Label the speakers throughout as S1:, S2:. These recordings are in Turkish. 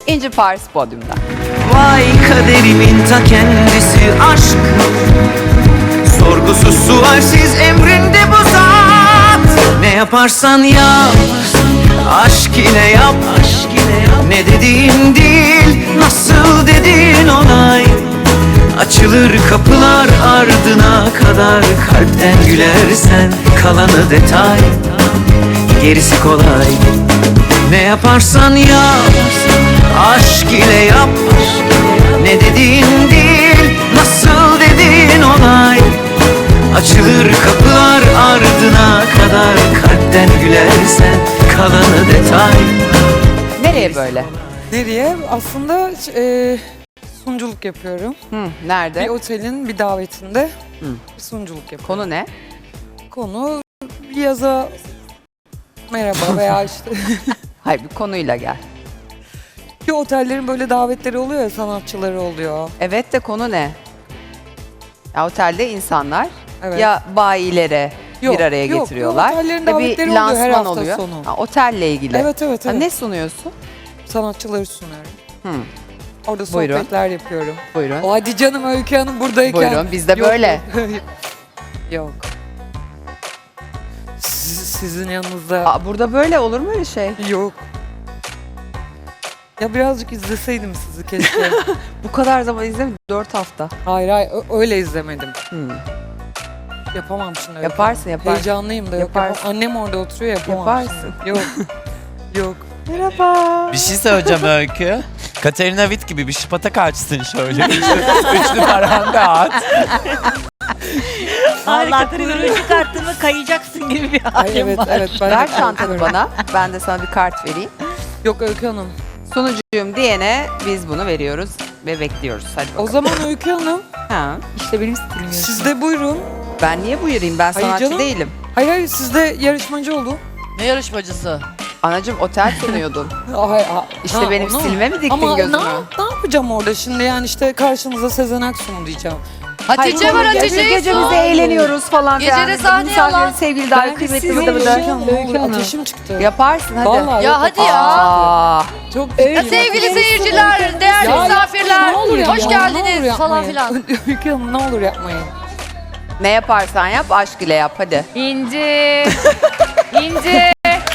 S1: İnci Pars podyumda.
S2: Vay kaderimin ta kendisi aşk. Sorgusuz sualsiz emrinde bu zat. Ne yaparsan yap, aşk ile yap. Ne dediğin değil, nasıl dediğin olay. Açılır kapılar ardına kadar. Kalpten gülersen kalanı detay. Gerisi kolay. Ne yaparsan yap, aşk ile yap. Ne dediğin değil, nasıl dediğin olay. Açılır kapılar ardına kadar. Kalpten gülersen kalanı detay.
S1: Nereye böyle?
S3: Nereye? Aslında sunuculuk yapıyorum. Bir
S1: Nerede?
S3: otelin bir davetinde bir sunuculuk yapıyorum.
S1: Konu ne?
S3: Konu bir yaza merhaba veya işte
S1: Hayır, bir konuyla gel.
S3: bir otellerin böyle davetleri oluyor ya, sanatçıları oluyor.
S1: Evet de konu ne? Ya otelde insanlar
S3: Evet.
S1: ya bayilere
S3: Yok,
S1: bir araya
S3: yok,
S1: getiriyorlar.
S3: otellerin
S1: ve
S3: davetleri
S1: bir
S3: oluyor her
S1: lansman
S3: hafta
S1: oluyor.
S3: sonu.
S1: Ha, otelle ilgili.
S3: Evet evet
S1: Ha,
S3: evet.
S1: ne sunuyorsun?
S3: Sanatçıları sunuyorum.
S1: Hı,
S3: Orada
S1: Buyurun.
S3: sohbetler yapıyorum.
S1: buyurun.
S3: O hadi canım, Öykü Hanım buradayken.
S1: Buyurun, biz de
S3: Yok,
S1: böyle.
S3: Yok. Sizin yanınızda
S1: Aa, burada böyle olur mu öyle şey?
S3: yok. Ya birazcık izleseydim sizi keşke.
S1: Bu kadar zaman izlemedim. 4 hafta.
S3: Hayır hayır, öyle izlemedim.
S1: Hı.
S3: Yapamam şimdi. öyle.
S1: Yaparsın, yaparsın.
S3: Heyecanlıyım da yok.
S1: Yaparsın.
S3: Yapamam. Annem orada oturuyor, yapamam.
S1: Yaparsın.
S3: Şimdi. Yok. Yok.
S1: Merhaba.
S4: Bir şey söyleyeceğim Öykü. Katerina Witt gibi bir şıpata kaçsın şöyle. Üçlü paranda at.
S5: Vallahi kuyruğu çıkarttın mı kayacaksın gibi bir
S3: Ay,
S5: halim
S3: evet
S5: var.
S3: evet. Ben
S1: Ver
S3: de
S1: çantanı
S3: korkuyorum.
S1: bana. Ben de sana bir kart vereyim.
S3: Yok Öykü Hanım.
S1: Sunucuyum diyene biz bunu veriyoruz ve bekliyoruz. Hadi
S3: O
S1: bakalım.
S3: zaman Öykü Hanım
S1: Ha.
S5: İşte benim stilim
S3: siz de buyurun.
S1: Ben niye buyurayım? Ben
S3: Hayır
S1: sanatçı
S3: canım.
S1: değilim.
S3: Hayır hayır, siz de yarışmacı olun.
S5: Ne yarışmacısı?
S1: Anacığım otel sunuyordun. İşte benim
S3: onu mu?
S1: stilime mi diktin
S3: Ama
S1: gözünü?
S3: ne yapacağım orada şimdi, yani işte karşınıza Sezen Aksu'nu diyeceğim.
S6: Hatice var, Hatice'yi
S1: Gece
S6: sor.
S1: bize eğleniyoruz falan
S6: Gece
S1: filan.
S6: de sahneye
S1: Misafirlerin
S6: alan.
S1: sevgili dahi kıymetli bıdı bıdı.
S3: Öykü Hanım. Ateşim çıktı.
S1: Yaparsın hadi.
S3: Vallahi
S6: Ya
S3: yok.
S6: hadi ya.
S1: Aa,
S3: Çok
S6: Ya sevgili seyirciler, değerli
S3: Ya
S6: misafirler,
S3: ne olur
S6: hoş
S3: yapmayın, ne olur
S6: geldiniz falan
S3: yapmayın.
S6: filan.
S3: Öykü Hanım ne olur yapmayın.
S1: ne yaparsan yap aşk ile yap hadi.
S7: İnci. İnci.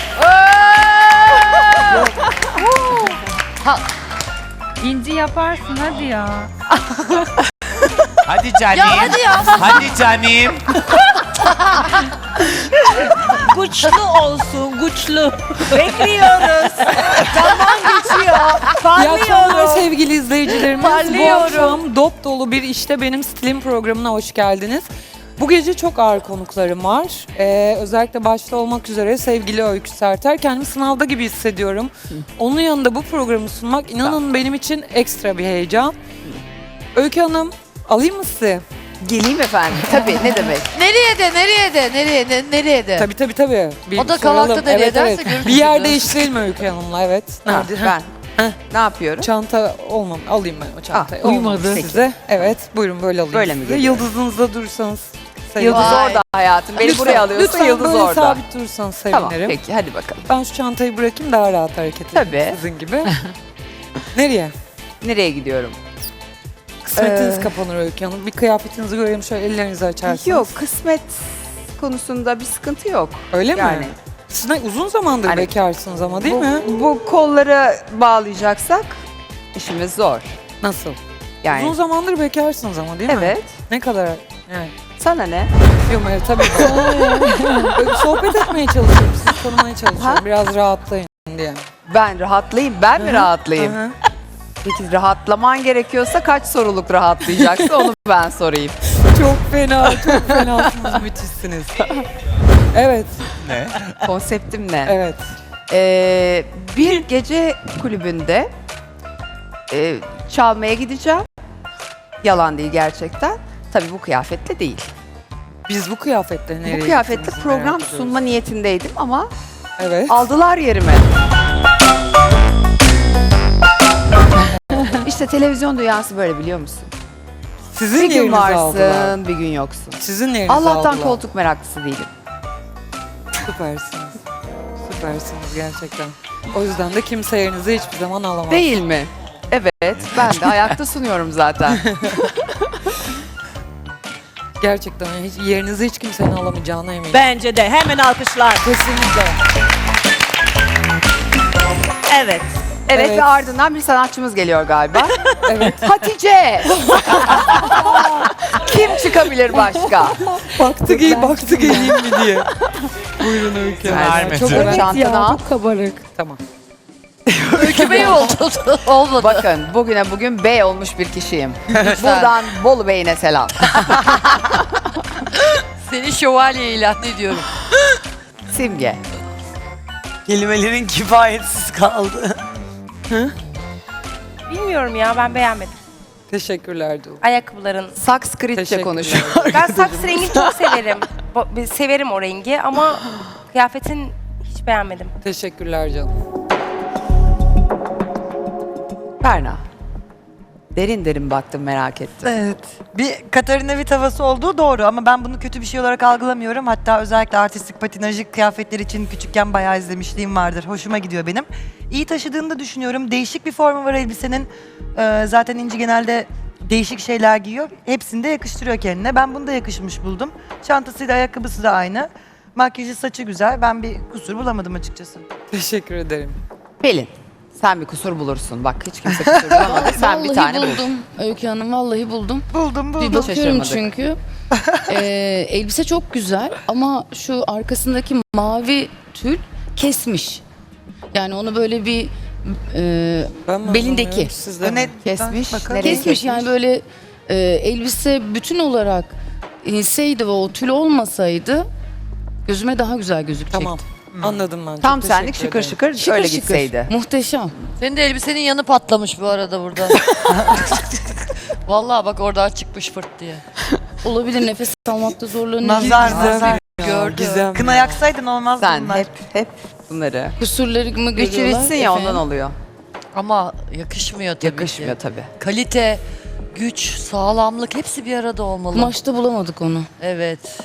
S7: İnci yaparsın hadi ya.
S4: Hadi canım.
S6: Ya hadi ya.
S4: Hadi canım.
S5: Güçlü olsun, güçlü. Bekliyoruz. Zaman geçiyor.
S3: İyi akşamlar
S5: Parlıyorum.
S3: sevgili izleyicilerimiz. Bu
S5: Parlıyorum.
S3: akşam dop dolu bir işte benim stilim programına hoş geldiniz. Bu gece çok ağır konuklarım var. Özellikle başta olmak üzere sevgili Öykü Serter. Kendimi sınavda gibi hissediyorum. Onun yanında bu programı sunmak inanın benim için ekstra bir heyecan. Öykü Hanım, alayım mı sizi?
S1: Geleyim efendim. Tabii ne demek.
S6: Nereye de, nereye de.
S3: Tabii. Bir
S6: O da
S3: soralım.
S6: Kavak'ta nereye derse görürsünüz.
S3: Bir yer değiştirelim Öykü Hanım'la, evet.
S1: Ha,
S3: Nerede?
S1: ben.
S3: Heh.
S1: Ne yapıyorum?
S3: Çanta olmam. Alayım ben o çantayı.
S1: Ah,
S3: Olmadı
S1: uyumadı.
S3: size. Evet. Buyurun böyle alayım
S1: Böyle mi
S3: size.
S1: geliyor?
S3: Yıldızınızda durursanız
S1: Yıldız
S3: sevinirim.
S6: Vay.
S1: orada hayatım. Beni
S3: Lütfen,
S1: buraya alıyorsa
S3: lütfen
S1: yıldız
S3: böyle
S1: orada.
S3: sabit durursanız sevinirim.
S1: Tamam peki hadi bakalım.
S3: Ben şu çantayı bırakayım, daha rahat hareket edeyim.
S1: Tabii.
S3: Sizin gibi. Nereye?
S1: Nereye gidiyorum?
S3: Kısmetiniz kapanır Öykü Hanım. Bir kıyafetinizi göreyim, şöyle ellerinizi açarsınız.
S1: Yok kısmet konusunda bir sıkıntı yok.
S3: Öyle mi?
S1: Yani.
S3: Siz uzun zamandır
S1: Hani
S3: bekarsınız ama değil
S1: bu,
S3: mi?
S1: Bu kolları bağlayacaksak işimiz zor.
S3: Nasıl?
S1: Yani
S3: Uzun zamandır bekarsınız ama değil mi?
S1: evet.
S3: Ne kadar? Yani.
S1: Sana ne?
S3: Yok hayır, tabii ki. Böyle sohbet etmeye çalışıyorum, sizi tanımaya çalışıyorum.
S1: Ha?
S3: Biraz rahatlayın diye.
S1: Ben rahatlayayım. Ben mi rahatlayayım?
S3: Hı hı.
S1: Peki rahatlaman gerekiyorsa kaç soruluk rahatlayacaksa onu ben sorayım.
S3: Çok fenasınız, müthişsiniz. Evet,
S4: Ne?
S1: Konseptim ne?
S3: evet.
S1: Bir gece kulübünde çalmaya gideceğim. Yalan değil gerçekten. Tabii bu kıyafetle değil.
S3: Biz bu kıyafetle nereye
S1: Bu kıyafetle
S3: gittiğimizi
S1: program
S3: merak ediyoruz.
S1: sunma niyetindeydim ama
S3: Evet.
S1: aldılar yerimi. İşte televizyon dünyası böyle biliyor musun?
S3: Sizin
S1: Bir gün
S3: yerinizi
S1: varsın,
S3: aldılar.
S1: bir gün yoksun.
S3: Sizin yerinizi
S1: Allah'tan
S3: aldılar.
S1: koltuk meraklısı değilim.
S3: Süpersiniz. Süpersiniz gerçekten. O yüzden de kimse yerinizi hiçbir zaman alamaz.
S1: Değil mi? Evet, ben de ayakta sunuyorum zaten.
S3: Gerçekten hiç, yerinizi hiç kimsenin alamayacağına eminim.
S5: Bence de hemen alkışlar.
S3: Kesinlikle.
S5: Evet.
S1: Evet,
S3: Evet.
S1: ve ardından bir sanatçımız geliyor galiba.
S3: Evet.
S1: Hatice! Kim çıkabilir başka?
S3: baktı geleyim mi diye. Buyurun Öykü.
S4: Vermedi.
S1: Çok
S4: Evet
S1: çantana al.
S3: Tamam.
S6: Öykü Bey oldu. Olmadı.
S1: Bakın bugün bey olmuş bir kişiyim. Buradan Bolu Bey'ine selam.
S6: Seni şövalye ilan ediyorum.
S1: Simge.
S8: Kelimelerin kifayetsiz kaldı.
S9: Bilmiyorum ya, ben beğenmedim.
S3: Teşekkürler Doğu.
S9: Ayakkabıların.
S1: Sanskritçe
S3: Teşekkürler.
S1: konuşuyor.
S9: Ben saks rengini çok severim. Severim o rengi ama kıyafetin hiç beğenmedim.
S3: Teşekkürler canım.
S1: Berna. Derin derin baktım, merak ettim.
S8: Evet. Bir Katarina Witt havası olduğu doğru ama ben bunu kötü bir şey olarak algılamıyorum. Hatta özellikle artistik patinajı kıyafetler için küçükken bayağı izlemişliğim vardır. Hoşuma gidiyor benim. İyi taşıdığını da düşünüyorum. Değişik bir formu var elbisenin. Zaten İnci genelde değişik şeyler giyiyor. Hepsini de yakıştırıyor kendine. Ben bunu da yakışmış buldum. Çantasıyla ayakkabısı da aynı. Makyajı, saçı güzel. Ben bir kusur bulamadım açıkçası.
S3: Teşekkür ederim.
S1: Pelin. Sen bir kusur bulursun. Bak hiç kimse kusur bulamadı. Sen bir tane bul.
S10: buldum. Öykü Hanım vallahi buldum.
S8: Buldum.
S10: Bir bakıyorum
S1: Şaşırmadık.
S10: çünkü. Elbise çok güzel ama şu arkasındaki mavi tül kesmiş. Yani onu böyle bir
S3: Ben mi
S10: belindeki
S3: anlamıyorum, siz de mi?
S8: Öne
S1: Kesmiş.
S8: bakalım.
S1: Nereye
S10: kesmiş yani böyle elbise bütün olarak inseydi ve o tül olmasaydı gözüme daha güzel gözükecekti.
S3: Tamam. Anladım ben.
S1: Tam
S3: Çok
S1: senlik
S3: teşekkür
S1: şıkır
S3: ederim.
S1: şıkır
S10: Şıkır
S1: öyle
S10: şıkır.
S1: gitseydi.
S10: Muhteşem.
S6: Senin de elbisenin yanı patlamış bu arada burada. Vallahi bak oradan çıkmış fırt diye.
S10: Olabilir, nefes almakta zorlanıyor.
S8: Nazar,
S3: Gizem
S8: nazar.
S6: Gördüm.
S3: Gizem.
S8: Kına yaksaydın olmazdı
S1: Sen
S8: bunlar.
S1: hep bunları.
S10: Kusurlarımı
S1: Güç
S10: görüyorlar.
S1: bitsin ya ondan
S10: efendim.
S1: oluyor.
S6: Ama yakışmıyor tabii
S1: Yakışmıyor
S6: ki.
S1: tabii.
S6: Kalite, güç, sağlamlık hepsi bir arada olmalı.
S10: Kumaşta bulamadık onu.
S6: Evet.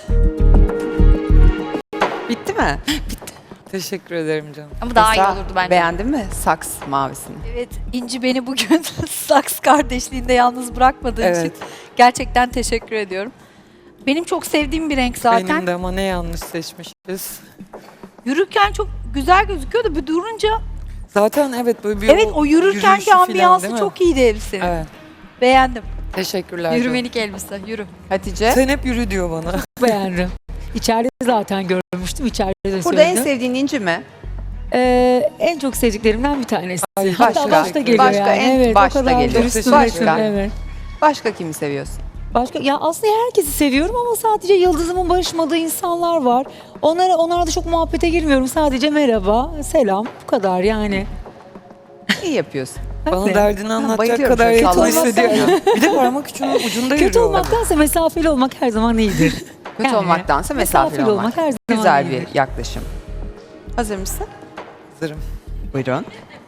S1: Bitti mi?
S3: Teşekkür ederim canım.
S5: Ama daha iyi
S1: Esra,
S5: olurdu bence.
S1: Beğendin mi saks mavisini?
S11: Evet, İnci beni bugün saks kardeşliğinde yalnız bırakmadığı
S3: Evet.
S11: için gerçekten teşekkür ediyorum. Benim çok sevdiğim bir renk zaten.
S3: Benim de ama ne yanlış seçmişiz.
S11: Yürürken çok güzel gözüküyor da bir durunca
S3: Zaten evet böyle bir
S11: evet o yürürkenki
S3: yürüyüşü falan,
S11: ambiyansı
S3: değil mi?
S11: çok iyiydi elbisenin.
S3: Evet.
S11: Beğendim.
S3: Teşekkürler canım.
S11: Yürümelik elbise, yürü.
S1: Hatice.
S3: Sen hep yürü diyor bana.
S12: Beğendim. İçeride zaten görmüştüm. İçeride de
S1: Burada en
S12: söyledim.
S1: sevdiğin inci mi?
S12: En çok sevdiklerimden bir tanesi.
S3: Ay,
S12: Hatta
S1: başka.
S12: başta geliyor
S1: Başka,
S12: yani.
S1: en
S12: Evet,
S1: başta
S12: o kadar
S1: geliyor.
S12: dürüstüm.
S1: Başka.
S12: Evet.
S1: Başka kimi seviyorsun?
S12: Başka ya aslında herkesi seviyorum ama sadece yıldızımın barışmadığı insanlar var. Onlara da çok muhabbete girmiyorum. Sadece merhaba, selam bu kadar yani.
S1: İyi yapıyorsun.
S3: Bana
S12: Hadi.
S3: derdini anlatacak
S1: bayılıyorum
S3: kadar
S1: şöyle
S3: yakın
S1: sallarsan
S3: hissediyorum. Bir de parmak ucunda
S12: Kötü
S3: yürüyor.
S12: olmaktansa mesafeli olmak her zaman iyidir.
S1: Kötü
S12: Yani,
S1: olmaktansa mesafeli olmak.
S12: her zaman
S1: Güzel
S12: iyidir.
S1: bir yaklaşım. Hazır mısın?
S3: Hazırım.
S1: Buyurun.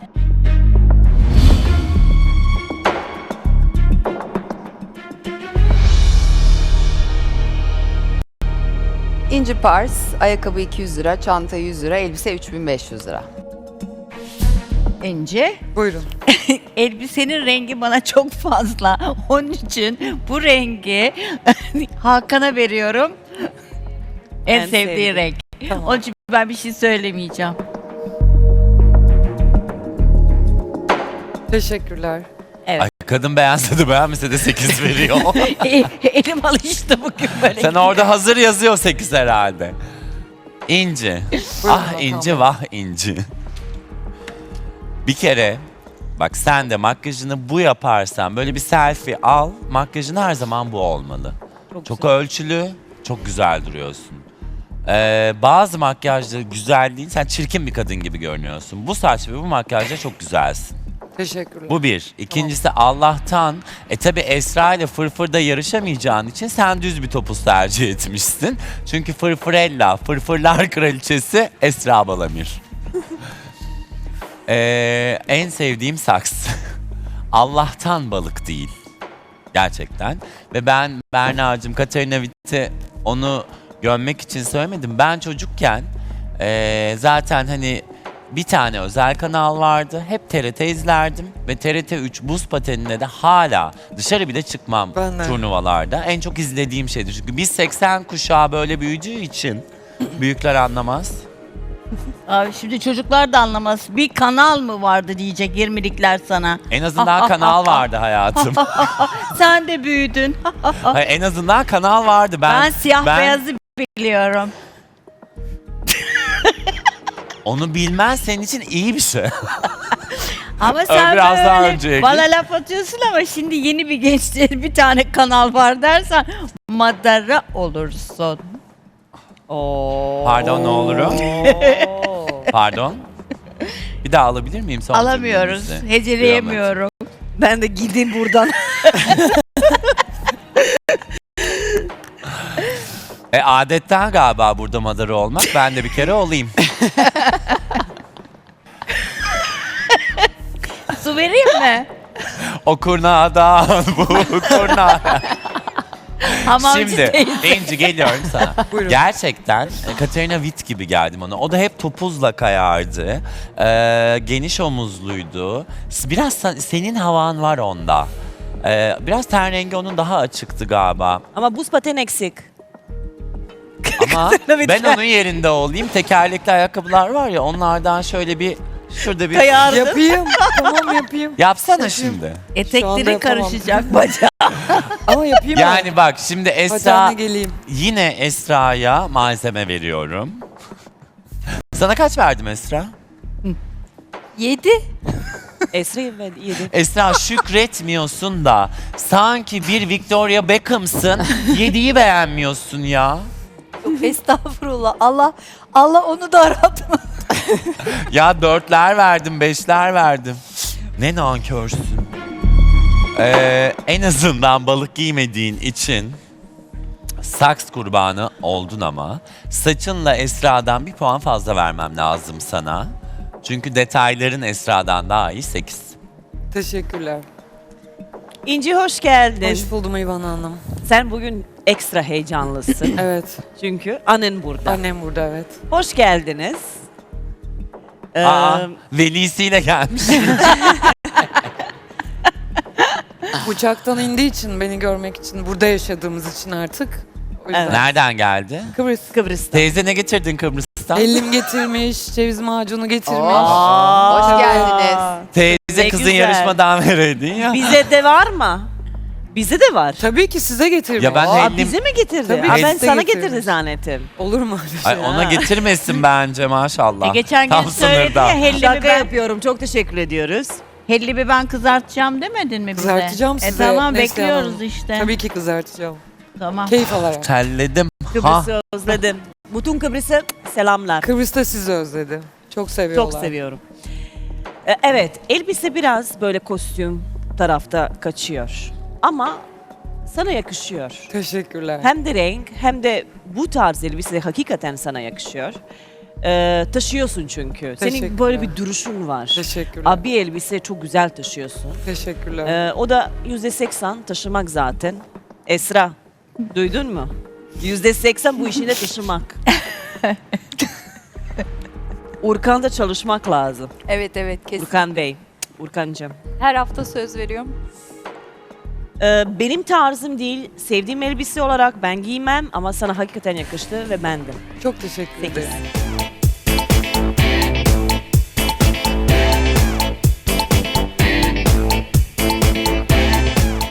S1: İnci Pars, ayakkabı 200 lira, çanta 100 lira, elbise 3500 lira.
S5: İnci.
S3: Buyurun.
S5: Elbisenin rengi bana çok fazla. Onun için bu rengi Hakan'a veriyorum. En sevdiği renk.
S3: Tamam.
S5: Onun için ben bir şey söylemeyeceğim.
S3: Teşekkürler.
S4: Ay, kadın beğense de beğenmese de 8 veriyor.
S5: Elim alıştı bugün böyle.
S4: Sen orada hazır yazıyor 8 herhalde. İnci. Ah İnci vah İnci. Bir kere bak sen de makyajını bu yaparsan böyle bir selfie al. Makyajın her zaman bu olmalı. Çok ölçülü, çok güzel duruyorsun. Bazı makyajda güzel değil. Sen çirkin bir kadın gibi görünüyorsun. Bu saç ve bu makyajda çok güzelsin.
S3: Teşekkürler.
S4: Bu bir. İkincisi Allah'tan tabi Esra ile Fırfır'da yarışamayacağın için sen düz bir topuz tercih etmişsin. Çünkü Fırfırella, Fırfırlar Kraliçesi Esra Balamir. En sevdiğim saks. Allah'tan balık değil. Gerçekten. Ve ben Berna'cığım, Katarina Witt'i onu gömmek için söylemedim. Ben çocukken zaten hani bir tane özel kanal vardı. Hep TRT izlerdim ve TRT 3 buz patenine de hala dışarı bile çıkmam
S3: Ben de.
S4: turnuvalarda. En çok izlediğim şeydi. Çünkü biz 80 kuşağı böyle büyüdüğü için büyükler anlamaz.
S5: Abi şimdi çocuklar da anlamaz. Bir kanal mı vardı diyecek 20'likler sana.
S4: En azından kanal vardı hayatım.
S5: Sen de büyüdün.
S4: Hayır, en azından kanal vardı.
S5: Ben siyah beyazı biliyorum.
S4: Onu bilmen senin için iyi bir şey.
S5: Ama sen
S4: Biraz daha
S5: böyle
S4: önceki.
S5: bana laf atıyorsun ama şimdi yeni bir gençlerin bir tane kanal var dersen madara olursun. Oo.
S4: Pardon ne olurum? Pardon. Bir daha alabilir miyim son
S5: Alamıyoruz.
S4: cümlenizi?
S5: Heceleyemiyorum.
S11: Ben de gideyim buradan.
S4: Adetten galiba burada madara olmak. Ben de bir kere olayım.
S5: Su vereyim mi?
S4: O kurnadan bu kurnadan.
S5: Hamamcı
S4: Şimdi
S5: teyze.
S4: İnci geliyorum sana.
S3: Buyurun.
S4: Gerçekten Katerina Witt gibi geldim ona. O da hep topuzla kayardı. Geniş omuzluydu. Biraz senin havan var onda. Biraz ten rengi onun daha açıktı galiba.
S6: Ama buz paten eksik.
S4: Ama ben onun yerinde olayım. Tekerlekli ayakkabılar var ya onlardan şöyle bir şurada bir
S3: Yapayım. Tamam yapayım.
S4: yapsana şimdi.
S3: Şu anda
S5: Etekleri
S3: yapamam.
S5: karışacak bacağı.
S3: Ama yapayım mı?
S4: Yani bak şimdi
S3: Hadi
S4: Esra
S3: anne geleyim.
S4: yine Esra'ya malzeme veriyorum. Sana kaç verdim Esra?
S11: 7.
S6: Esra'yı ben yedim.
S4: Esra şükretmiyorsun da sanki bir Victoria Beckham'sın. 7'yi beğenmiyorsun ya.
S11: Estağfurullah. Allah onu da aratma.
S4: Ya 4'ler verdim, 5'ler verdim. Ne nankörsün. En azından balık giymediğin için saks kurbanı oldun ama saçınla Esra'dan bir puan fazla vermem lazım sana. Çünkü detayların Esra'dan daha iyi 8.
S3: Teşekkürler.
S6: İnci hoş geldin.
S3: Hoş buldum İvan Hanım.
S6: Sen bugün ekstra heyecanlısın.
S3: Evet.
S6: Çünkü annen burada.
S3: Annem burada evet.
S6: Hoş geldiniz.
S4: Aa, velisiyle gelmiş.
S3: Uçaktan indiği için beni görmek için burada yaşadığımız için artık. O yüzden.
S6: Evet.
S4: Nereden geldi?
S3: Kıbrıs.
S6: Kıbrıs'ta.
S4: Teyze ne getirdin Kıbrıs'tan?
S3: Ellim getirmiş, ceviz macunu getirmiş.
S1: Hoş geldiniz.
S4: Teyze
S6: Ne
S4: kızın
S6: güzel.
S4: yarışmadan vereydin ya.
S6: Bize de var mı? Bize de var.
S3: Tabii ki size getirmiş.
S4: Ya ben
S6: Aa,
S4: hellim...
S6: bize mi getirdi?
S3: Tabii
S6: Ha,
S3: ki
S6: ben
S3: size
S6: sana
S3: getirmiş.
S6: getirdi zannettim.
S3: Olur mu öyle şey?
S4: Ay, ona getirmesin bence maşallah.
S5: Geçen gün
S4: Tam
S5: söyledi
S4: sınırda.
S5: ya hellimi
S6: Şaka
S5: ben,
S6: yapıyorum. Çok teşekkür ediyoruz.
S5: hellimi ben kızartacağım demedin mi bize?
S3: Kızartacağım size.
S5: Tamam
S3: Neslihan
S5: bekliyoruz
S3: Hanım.
S5: işte.
S3: Tabii ki kızartacağım.
S5: Tamam.
S3: Keyif alarak.
S4: Terledim. Ha.
S6: Kıbrıs'ı özledim. Bütün Kıbrıs'a selamlar.
S3: Kıbrıs'ta sizi özledi. Çok seviyorlar.
S6: Çok seviyorum. Evet, elbise biraz böyle kostüm tarafta kaçıyor. Ama sana yakışıyor.
S3: Teşekkürler.
S6: Hem de renk hem de bu tarz elbise hakikaten sana yakışıyor. Taşıyorsun çünkü. Senin
S3: Teşekkürler.
S6: böyle bir duruşun var.
S3: Teşekkürler.
S6: Abi elbise çok güzel taşıyorsun.
S3: Teşekkürler.
S6: O da %80 taşımak zaten. Esra, duydun mu? %80 bu işine taşımak. Urkan'da çalışmak lazım.
S11: Evet kesin.
S6: Urkan Bey, Urkancığım.
S11: Her hafta söz veriyorum.
S6: Benim tarzım değil, sevdiğim elbise olarak ben giymem ama sana hakikaten yakıştı ve bendim.
S3: Çok teşekkür ederim.
S6: 8.